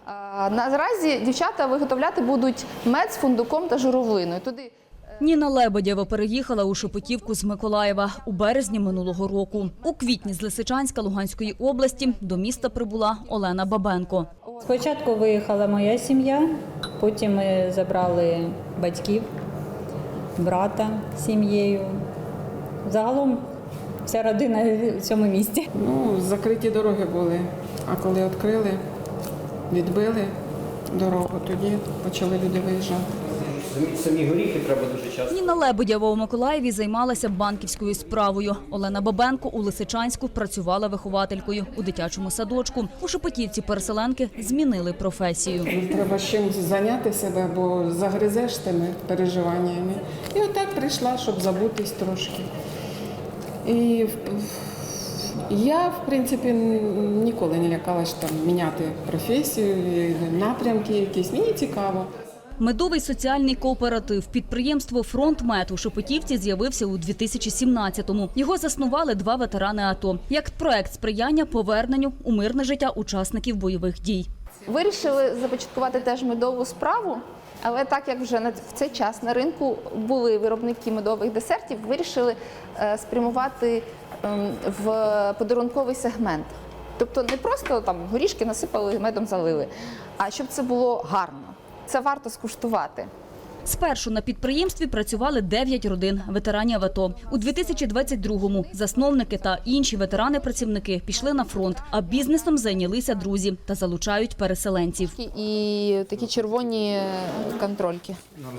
Наразі дівчата виготовляти будуть мед з фундуком та журавлиною. Туди Ніна Лебедєва переїхала у Шепетівку з Миколаєва у березні минулого року. У квітні з Лисичанська Луганської області до міста прибула Олена Бабенко. Спочатку виїхала моя сім'я, потім ми забрали батьків, брата з сім'єю. Загалом вся родина в цьому місті. Закриті дороги були, а коли відкрили, відбили дорогу, тоді почали люди виїжджати. Самі горіхи треба дуже часто. Ніна Лебедєва у Миколаєві займалася банківською справою. Олена Бабенко у Лисичанську працювала вихователькою у дитячому садочку. У Шепетівці переселенки змінили професію. Треба чим зайняти себе, бо загризеш тими переживаннями. І отак прийшла, щоб забутись трошки. І я, в принципі, ніколи не лякалась там міняти професію, напрямки якісь. Мені цікаво. Медовий соціальний кооператив підприємство «Фронтмед» у Шепетівці з'явився у 2017-му. Його заснували 2 ветерани АТО як проект сприяння поверненню у мирне життя учасників бойових дій. вирішили започаткувати теж медову справу, але так як вже в цей час на ринку були виробники медових десертів, вирішили спрямувати в подарунковий сегмент. Тобто не просто там горішки насипали, медом залили, а щоб це було гарно. Це варто скуштувати. Спершу на підприємстві працювали 9 родин ветеранів АТО. У 2022-му засновники та інші ветерани-працівники пішли на фронт, а бізнесом зайнялися друзі та залучають переселенців. І такі червоні контрольки.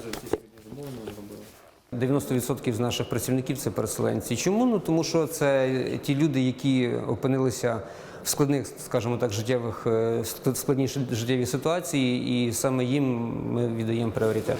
90% з наших працівників – це переселенці. Чому? Ну, тому що це ті люди, які опинилися в складних, скажімо так, складній життєвій ситуації, і саме їм ми віддаємо пріоритет.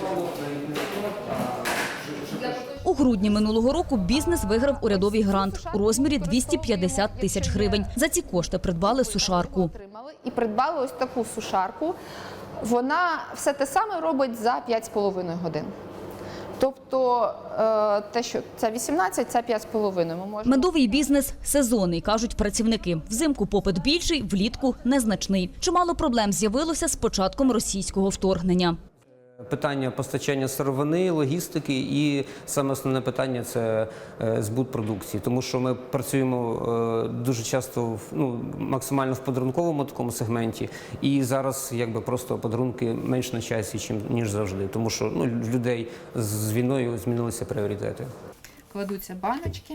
У грудні минулого року бізнес виграв урядовий грант у розмірі 250 тисяч гривень. За ці кошти придбали сушарку. І придбали ось таку сушарку. Вона все те саме робить за 5,5 годин. Тобто те, що це 18, це 5,5. Медовий бізнес сезонний, кажуть працівники. Взимку попит більший, влітку незначний. Чимало проблем з'явилося з початком російського вторгнення. Питання постачання сировини, логістики і саме основне питання – це збут продукції. Тому що ми працюємо дуже часто, максимально в подарунковому такому сегменті. І зараз просто подарунки менш на часі, ніж завжди. Тому що в людей з війною змінилися пріоритети. Кладуться баночки.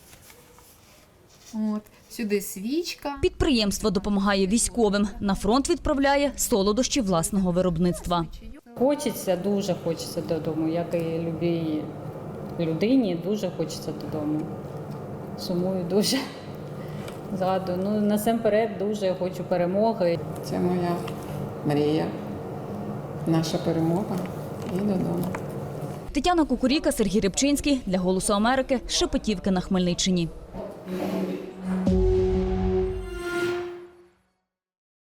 Сюди свічка. Підприємство допомагає військовим. На фронт відправляє солодощі власного виробництва. Хочеться, дуже хочеться додому, як і любій людині, дуже хочеться додому. Сумую дуже, згадую. Насамперед дуже хочу перемоги. Це моя мрія, наша перемога і додому. Тетяна Кукуріка, Сергій Рибчинський для «Голосу Америки», Шепетівки на Хмельниччині.